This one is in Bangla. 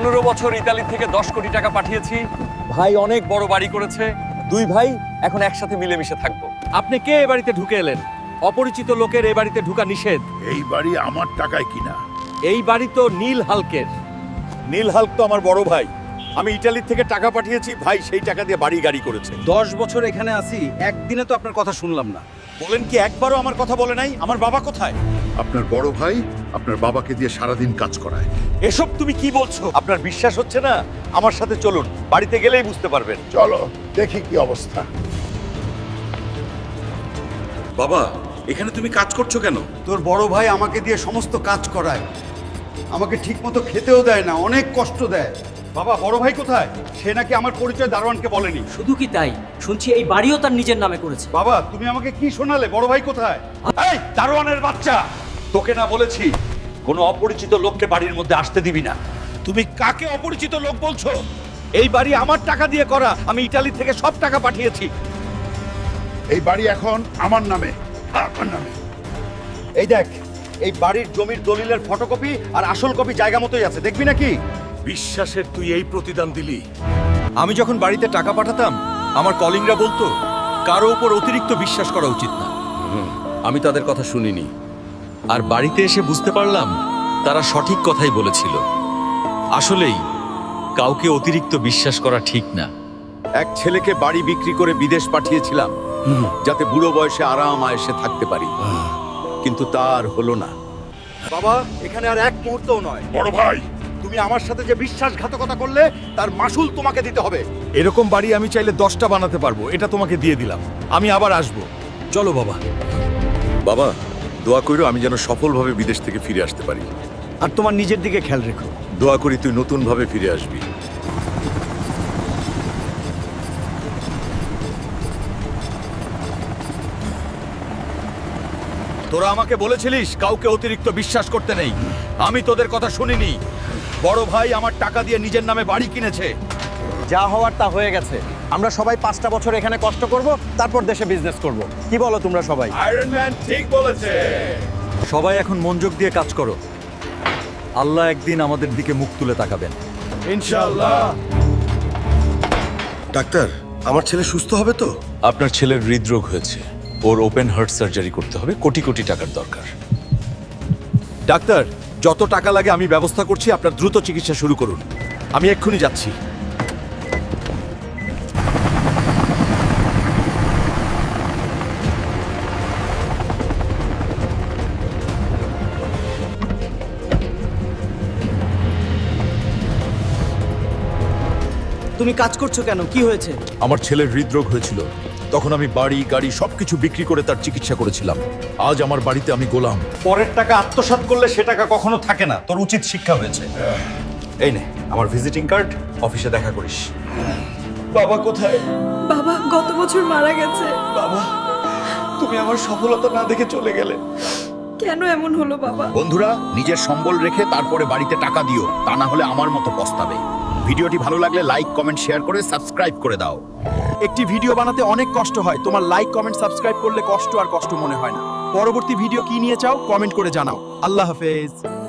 15 বছর ইতালি থেকে 10 কোটি টাকা পাঠিয়েছি। ভাই অনেক বড় বাড়ি করেছে। দুই ভাই এখন একসাথে মিলেমিশে থাকবো। আপনি কে এ বাড়িতে ঢুকে এলেন? অপরিচিত লোকের এই বাড়িতে ঢুকা নিষেধ। এই বাড়ি আমার টাকায় কিনা। এই বাড়ি তো নীল হালকের। নীল হালক তো আমার বড় ভাই। আমি ইতালি থেকে টাকা পাঠিয়েছি, ভাই সেই টাকা দিয়ে বাড়ি গাড়ি করেছে। 10 বছর এখানে আছি, একদিনে তো আপনার কথা শুনলাম না। বলেন কি একবারও আমার কথা বলে নাই? আমার বাবা কোথায়? আপনার বড় ভাই আপনার বাবাকে দিয়ে সারাদিন কাজ করায়। এসব তুমি কি বলছো? আপনার বিশ্বাস হচ্ছে না? আমার সাথে চলুন, বাড়িতে গেলেই বুঝতে পারবেন। চলো দেখি কি অবস্থা। বাবা, এখানে তুমি কাজ করছো কেন? তোর বড় ভাই আমাকে দিয়ে সমস্ত কাজ করায়, আমাকে ঠিকমতো খেতেও দেয় না, অনেক কষ্ট দেয়। বাবা, বড় ভাই কোথায়? সে নাকি আমার পরিচয় দারোয়ানকে বলেনি। শুধু কি তাই, শুনছি এই বাড়িও তার নিজের নামে করেছে। বাবা, তুমি আমাকে কি শোনালে? বড় ভাই কোথায়? এই দারোয়ানের বাচ্চা, তোকে না বলেছি কোনো অপরিচিত লোককে বাড়ির মধ্যে আসতে দিবি না? তুমি কাকে অপরিচিত লোক বলছো? এই বাড়ি আমার টাকা দিয়ে করা, আমি ইতালি থেকে সব টাকা পাঠিয়েছি। এই বাড়ি এখন আমার নামে, আমার নামে। এই দেখ, এই বাড়ির জমির দলিলের ফটোকপি আর আসল কপি জায়গা মতোই আছে, দেখবি নাকি? বিশ্বাসের তুই এই প্রতিদান দিলি? আমি যখন বাড়িতে টাকা পাঠাতাম, আমার কলিংরা বলতো কারো উপর অতিরিক্ত বিশ্বাস করা উচিত না। আমি তাদের কথা শুনিনি, আর বাড়িতে এসে বুঝতে পারলাম তারা সঠিক কথাই বলেছিল। আসলেই কাউকে অতিরিক্ত বিশ্বাস করা ঠিক না। এক ছেলেকে বাড়ি বিক্রি করে বিদেশ পাঠিয়েছিলাম, যাতে বুড়ো বয়সে আরাম আয়েশে থাকতে পারি, কিন্তু তার হলো না। বাবা, এখানে আর এক মুহূর্তও নয়। বড় ভাই, তুমি আমার সাথে যে বিশ্বাসঘাতকতা করলে তার মাসুল তোমাকে দিতে হবে। এরকম বাড়ি আমি চাইলে 10টা বানাতে পারবো, এটা তোমাকে দিয়ে দিলাম। আমি আবার আসবো। চলো বাবা। বাবা, দোয়া কইরো আমি যেন সফলভাবে বিদেশ থেকে ফিরে আসতে পারি। আর তোমার নিজের দিকে খেয়াল রেখো। দোয়া করি তুই নতুনভাবে ফিরে আসবি। তোরা আমাকে বলেছিলিস কাউকে অতিরিক্ত বিশ্বাস করতে নেই। আমি তোদের কথা শুনিনি। বড় ভাই আমার টাকা দিয়ে নিজের নামে বাড়ি কিনেছে। যা হওয়ার তা হয়ে গেছে। আমরা সবাই 5টা বছর এখানে কষ্ট করব, তারপর দেশে বিজনেস করব। কি বলো তোমরা সবাই? আয়রন ম্যান ঠিক বলেছে। সবাই এখন মনোযোগ দিয়ে কাজ করো। আল্লাহ একদিন আমাদের দিকে মুখ তুলে তাকাবেন, ইনশাআল্লাহ। ডাক্তার, আমার ছেলে সুস্থ হবে তো? আপনার ছেলের হৃদরোগ হয়েছে, ওর ওপেন হার্ট সার্জারি করতে হবে, কোটি কোটি টাকার দরকার। ডাক্তার, যত টাকা লাগে আমি ব্যবস্থা করছি, আপনার দ্রুত চিকিৎসা শুরু করুন। আমি এক্ষুনি যাচ্ছি। তুমি কাজ করছো কেন? কি হয়েছে? আমার ছেলের হৃদরোগ হয়েছিল, তখন আমি বাড়ি গাড়ি সবকিছু বিক্রি করে তার চিকিৎসা করেছিলাম। আজ আমার বাড়িতে আমি গোলাম। পরের টাকা আত্মসাৎ করলে সে টাকা কখনো থাকে না। তোর উচিত শিক্ষা হয়েছে। এই নে আমার ভিজিটিং কার্ড, অফিসে দেখা করিস। বাবা কোথায়? বাবা গত বছর মারা গেছে। বাবা, তুমি আমার সফলতা না দেখে চলে গেলে। কেন এমন হলো বাবা? বন্ধুরা, নিজের সম্বল রেখে তারপরে বাড়িতে টাকা দিও, তা না হলে আমার মতো পস্তাবে। ভিডিওটি ভালো লাগলে লাইক, কমেন্ট, শেয়ার করে সাবস্ক্রাইব করে দাও। একটি ভিডিও বানাতে অনেক কষ্ট হয়, তোমার লাইক, কমেন্ট, সাবস্ক্রাইব করলে কষ্ট আর কষ্ট মনে হয় না। পরবর্তী ভিডিও কি নিয়ে চাও কমেন্ট করে জানাও। আল্লাহ হাফেজ।